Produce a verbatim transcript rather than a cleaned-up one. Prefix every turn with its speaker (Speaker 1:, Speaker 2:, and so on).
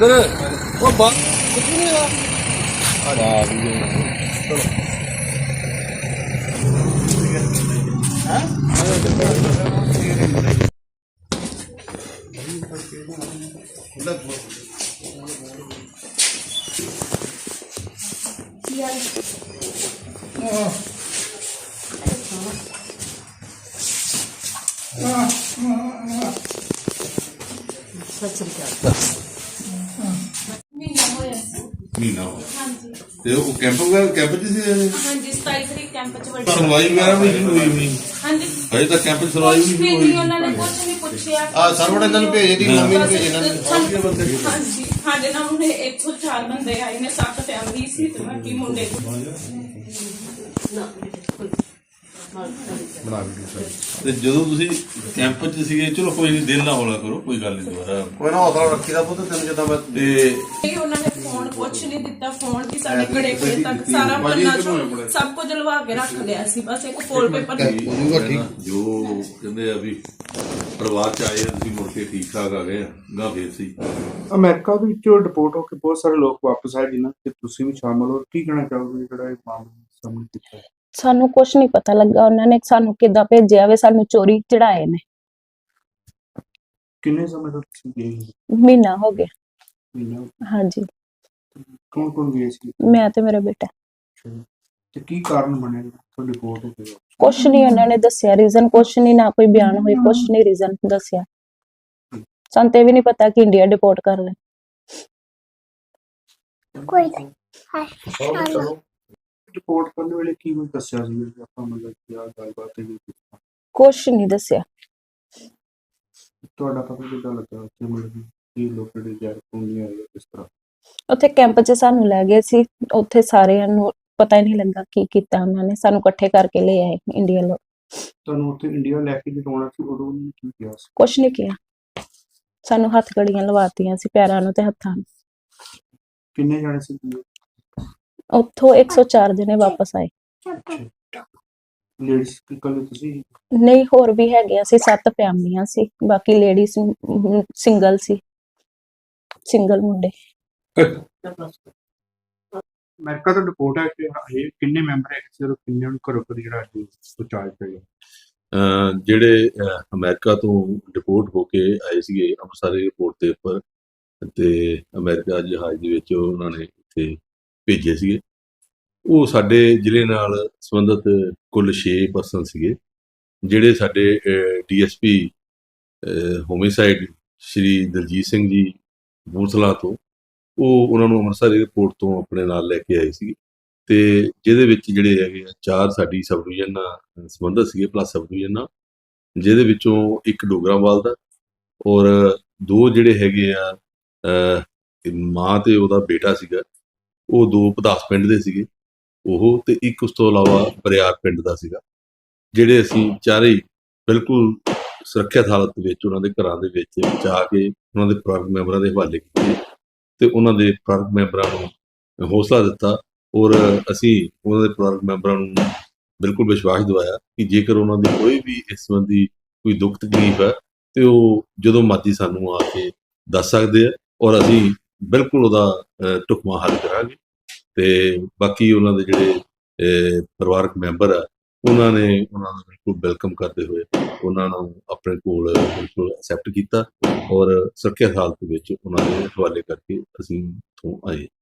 Speaker 1: ਇੱਧਰ ਉਹ ਬਾਹਰ ਕਿੱਥੇ ਨਹੀਂ ਆ ਆ ਵੀ ਚਲੋ ਮਹੀਨਾ ਹੋ
Speaker 2: ਹਾਂਜੀ
Speaker 1: ਤੇ ਉਹ ਕੈਂਪ ਵਗੈਰਾ ਕੈਂਪ ਚ ਸੀ
Speaker 2: ਹਾਂਜੀ ਸਤਾਈ ਤਰੀਕ ਕੈਂਪ ਚ ਵੱਡੀ
Speaker 1: ਸੁਣਵਾਈ ਵਗੈਰਾ ਵੀ ਨਹੀਂ ਹੋਈ ਹੋਣੀ
Speaker 2: ਹਾਂਜੀ
Speaker 1: ਹਜੇ ਤੱਕ ਕੈਂਪ ਚ ਸੁਣਵਾਈ ਵੀ ਨਹੀਂ ਹੋਈ
Speaker 2: ਉਹਨਾਂ ਨੇ ਕੁਝ ਨਹੀਂ ਪੁੱਛਿਆ
Speaker 3: ਆ ਸਰਵਣ ਇਹਨਾਂ ਨੂੰ ਭੇਜ ਦੀ ਮੰਮੀ ਨੂੰ ਭੇਜ ਇਹਨਾਂ
Speaker 2: ਸਾਨੂੰ- ਹਾਂਜੀ ਸਾਡੇ ਨਾਲ ਉਹਨੇ ਇੱਕ ਸੌ ਚਾਰ ਬੰਦੇ ਆਏ ਨੇ ਸੱਤ ਫੈਮਿਲੀ ਸੀ ਤੇ ਬਾਕੀ ਮੁੰਡੇ
Speaker 1: ਬਣਾ ਕੇ ਤੇ ਜਦੋਂ ਤੁਸੀਂ ਕੈਂਪ ਚ ਸੀਗੇ ਚਲੋ ਕੋਈ ਨਹੀਂ ਦਿਲ ਨਾ ਹੌਲਾ ਕਰੋ ਕੋਈ ਗੱਲ ਨਹੀਂ ਦੁਬਾਰਾ
Speaker 3: ਕੋਈ ਨਾ ਹੌਸਲਾ ਰੱਖੀ ਦਾ ਪੁੱਤ ਤੈਨੂੰ ਜਿੱਦਾਂ ਮੈਂ
Speaker 1: ਤੇ
Speaker 2: ਇਹ ਉਹਨਾਂ ਨੇ ਫੋਨ ਕੁਛ ਨਹੀਂ ਦਿੱਤਾ ਫੋਨ ਕਿ ਸਾਡੇ ਘੜੇ ਘੜੇ ਤੱਕ ਸਾਰਾ ਪੰਨਾ ਚੋਂ ਸਭ ਕੁਝ ਲਵਾ ਕੇ ਰੱਖ ਲਿਆ ਸੀ ਬਸ ਇੱਕ ਫੋਲ ਪੇਪਰ
Speaker 1: ਜੋ ਕਹਿੰਦੇ ਆ ਵੀ ਪਰਿਵਾਰ ਚ ਆਏ ਆ ਤੁਸੀਂ ਮੁੜ ਕੇ ਠੀਕ ਠਾਕ ਆ ਗਏ ਗਾ ਫੇਰ ਸੀ
Speaker 4: ਅਮਰੀਕਾ ਦੇ ਵਿੱਚੋਂ ਡਿਪੋਰਟ ਹੋ ਕੇ ਬਹੁਤ ਸਾਰੇ ਲੋਕ ਵਾਪਸ ਆਏ ਜਿਨ੍ਹਾਂ ਤੇ ਤੁਸੀਂ ਵੀ ਸ਼ਾਮਲ ਹੋ ਕੀ ਕਹਿਣਾ ਚਾਹੋਗੇ ਜਿਹੜਾ ਇਹ ਮਾਮਲਾ ਸਾਹਮਣੇ ਕੀਤਾ ਹੈ?
Speaker 5: ਸਾਨੂੰ ਕੁਝ ਨਹੀਂ ਪਤਾ ਲੱਗਾ ਉਹਨਾਂ ਨੇ ਸਾਨੂੰ ਕਿੱਦਾਂ ਭੇਜਿਆ ਵੇ ਸਾਨੂੰ ਚੋਰੀ ਚੜਾਏ ਨੇ
Speaker 4: ਕਿੰਨੇ ਸਮੇਂ ਤੋਂ ਤੁਸੀਂ ਗਏ ਹੋ?
Speaker 5: ਮਹੀਨਾ ਹੋ ਗਿਆ
Speaker 4: ਮਹੀਨਾ
Speaker 5: ਹਾਂਜੀ
Speaker 4: ਕੌਣ ਕੌਣ ਗਏ ਸੀ
Speaker 5: ਮੈਂ ਤੇ ਮੇਰਾ ਬੇਟਾ
Speaker 4: ਤੇ ਕੀ ਕਾਰਨ ਬਣਿਆ ਤੁਹਾਡੀ ਰਿਪੋਰਟ ਹੋ ਗਈ
Speaker 5: ਕੁਛ ਨਹੀਂ ਉਹਨਾਂ ਨੇ ਦੱਸਿਆ ਰੀਜ਼ਨ ਕੁਛ ਨਹੀਂ ਨਾ ਕੋਈ ਬਿਆਨ ਹੋਈ ਕੁਛ ਨਹੀਂ ਰੀਜ਼ਨ ਦੱਸਿਆ ਸਾਨੂੰ ਤੇ ਵੀ ਨਹੀਂ ਪਤਾ ਕਿ ਇੰਡੀਆ ਡਿਪੋਰਟ ਕਰ ਲੈ
Speaker 6: ਕੋਈ ਨਹੀਂ
Speaker 4: ਰਿਪੋਰਟ ਕਰਨ ਵੇਲੇ ਕੀ ਕੁਝ ਦੱਸਿਆ ਸੀ ਕਿ ਆਪਾਂ ਮਤਲਬ ਕੀ ਆ ਗੱਲਬਾਤ ਹੈ
Speaker 5: ਕੁਛ ਨਹੀਂ ਦੱਸਿਆ
Speaker 4: ਤੁਹਾਡਾ ਪਤਾ ਕਿੱਦਾਂ ਲੱਗਾ ਕਿ ਮਤਲਬ ਕੀ ਲੋਕ ਜਿਹੜੇ ਜੈਰ ਪੁੰਨੀਆਂ ਆਏ ਕਿਸ ਤਰ੍ਹਾਂ
Speaker 5: ਉੱਥੇ ਕੈਂਪ 'ਚ ਸਾਨੂੰ ਲੈ ਗਏ ਸੀ ਉੱਥੇ ਸਾਰਿਆਂ ਨੂੰ ਪਤਾ ਹੀ ਨਹੀਂ ਲੱਗਾ ਕੀ ਕੀਤਾ ਉਹਨਾਂ ਨੇ ਸਾਨੂੰ ਇਕੱਠੇ ਕਰਕੇ ਲੈ ਆਏ ਇੰਡੀਆ ਲੋਕ
Speaker 4: ਤੁਹਾਨੂੰ ਉੱਥੇ ਇੰਡੀਆ ਲੈ ਕੇ ਜਦੋਂ ਸੀ ਉਦੋਂ ਉਹਨੇ ਕੀ ਕਿਹਾ ਸੀ
Speaker 5: ਕੁਛ ਨਹੀਂ ਕਿਹਾ ਸਾਨੂੰ ਹੱਥ ਘੜੀਆਂ ਲਵਾਤੀਆਂ ਸੀ ਪੈਰਾਂ ਨੂੰ ਤੇ ਹੱਥਾਂ ਨੂੰ
Speaker 4: ਕਿੰਨੇ ਜਾਣੇ ਸੀ
Speaker 5: ਉੱਥੋਂ ਇੱਕ ਸੌ ਚਾਰ ਜਣੇ ਵਾਪਸ ਆਏ
Speaker 4: ਲੇਡੀਜ਼ ਇਕੱਲੇ ਤੁਸੀਂ
Speaker 5: ਨਹੀਂ ਹੋਰ ਵੀ ਹੈਗੇ ਅਸੀਂ ਸੱਤ ਫੈਮਲੀਆਂ ਸੀ ਬਾਕੀ ਲੇਡੀਜ਼ ਸਿੰਗਲ ਸੀ ਸਿੰਗਲ ਮੁੰਡੇ
Speaker 4: ਅਮਰੀਕਾ ਤੋਂ ਰਿਪੋਰਟ ਹੈ ਕਿ ਇਹ ਕਿੰਨੇ ਮੈਂਬਰ ਹੈ ਸਿਰਫ ਕਿੰਨੇ ਨੂੰ ਘਰੋਂ ਘਰ ਜਿਹੜਾ ਅੱਜ ਪਹੁੰਚਾਇਆ ਪਿਆ
Speaker 1: ਅਹ ਜਿਹੜੇ ਅਹ ਅਮਰੀਕਾ ਤੋਂ ਡਿਪੋਰਟ ਹੋ ਕੇ ਆਏ ਸੀਗੇ ਅੰਮ੍ਰਿਤਸਰ ਏਅਰਪੋਰਟ ਦੇ ਉੱਪਰ ਤੇ ਅਮਰੀਕਾ ਜਹਾਜ਼ ਦੇ ਵਿੱਚ ਉਹਨਾਂ ਨੇ ਇੱਥੇ ਭੇਜੇ ਸੀਗੇ ਉਹ ਸਾਡੇ ਜ਼ਿਲ੍ਹੇ ਨਾਲ ਸੰਬੰਧਿਤ ਕੁੱਲ ਛੇ ਪਰਸਨ ਸੀਗੇ ਜਿਹੜੇ ਸਾਡੇ ਡੀਐਸਪੀ ਹੋਮਿਸਾਈਡ ਸ਼੍ਰੀ ਦਲਜੀਤ ਸਿੰਘ ਜੀ ਕਪੂਰਥਲਾ ਤੋਂ ਉਹ ਉਹਨਾਂ ਨੂੰ ਅੰਮ੍ਰਿਤਸਰ ਏਅਰਪੋਰਟ ਤੋਂ ਆਪਣੇ ਨਾਲ ਲੈ ਕੇ ਆਏ ਸੀ ਤੇ ਜਿਹਦੇ ਵਿੱਚ ਜਿਹੜੇ ਹੈਗੇ ਆ ਚਾਰ ਸਾਡੀ ਸਬ ਡਿਵੀਜ਼ਨ ਨਾਲ ਸੰਬੰਧਿਤ ਸੀਗੇ ਪਲੱਸ ਸਬ ਡਿਵੀਜ਼ਨ ਨਾਲ ਜਿਹਦੇ ਵਿੱਚੋਂ ਇੱਕ ਡੋਗਰਾਵਾਲ ਦਾ ਔਰ ਦੋ ਜਿਹੜੇ ਹੈਗੇ ਆ ਮਾਂ ਤੇ ਉਹਦਾ ਬੇਟਾ ਸੀਗਾ ਉਹ ਦੋ ਪਧਾਸ ਪਿੰਡ ਦੇ ਸੀਗੇ ਉਹ ਤੇ ਇੱਕ ਉਸ ਤੋਂ ਇਲਾਵਾ ਬਰਿਆਰ ਪਿੰਡ ਦਾ ਸੀਗਾ ਜਿਹੜੇ ਅਸੀਂ ਚਾਰੇ ਬਿਲਕੁਲ ਸੁਰੱਖਿਅਤ ਹਾਲਤ ਵਿੱਚ ਉਹਨਾਂ ਦੇ ਘਰਾਂ ਦੇ ਵਿੱਚ ਜਾ ਕੇ ਉਹਨਾਂ ਦੇ ਪਰਿਵਾਰਕ ਮੈਂਬਰਾਂ ਦੇ ਹਵਾਲੇ ਕੀਤੇ ਤੇ ਉਹਨਾਂ ਦੇ ਪਰਿਵਾਰਕ ਮੈਂਬਰਾਂ ਨੂੰ ਹੌਸਲਾ ਦਿੱਤਾ ਔਰ ਅਸੀਂ ਉਹਨਾਂ ਦੇ ਪਰਿਵਾਰਕ ਮੈਂਬਰਾਂ ਨੂੰ ਬਿਲਕੁਲ ਵਿਸ਼ਵਾਸ ਦਿਵਾਇਆ ਕਿ ਜੇਕਰ ਉਹਨਾਂ ਦੀ ਕੋਈ ਵੀ ਇਸ ਸੰਬੰਧੀ ਕੋਈ ਦੁੱਖ ਤਕਲੀਫ ਹੈ ਤੇ ਉਹ ਜਦੋਂ ਮਰਜ਼ੀ ਸਾਨੂੰ ਆ ਕੇ ਦੱਸ ਸਕਦੇ ਆ ਔਰ ਅਸੀਂ ਬਿਲਕੁਲ ਉਹਦਾ ਢੁਕਵਾਂ ਹੱਲ ਕਰਾਂਗੇ ਤੇ ਬਾਕੀ ਉਹਨਾਂ ਦੇ ਜਿਹੜੇ ਪਰਿਵਾਰਕ ਮੈਂਬਰ ਆ ਉਹਨਾਂ ਨੇ ਉਹਨਾਂ ਨੂੰ ਬਿਲਕੁਲ ਵੈਲਕਮ ਕਰਦੇ ਹੋਏ ਉਹਨਾਂ ਨੂੰ ਆਪਣੇ ਕੋਲ ਬਿਲਕੁਲ ਐਕਸੈਪਟ ਕੀਤਾ ਔਰ ਸੁਰੱਖਿਅਤ ਹਾਲਤ ਵਿੱਚ ਉਹਨਾਂ ਦੇ ਹਵਾਲੇ ਕਰਕੇ ਅਸੀਂ ਇੱਥੋਂ ਆਏ।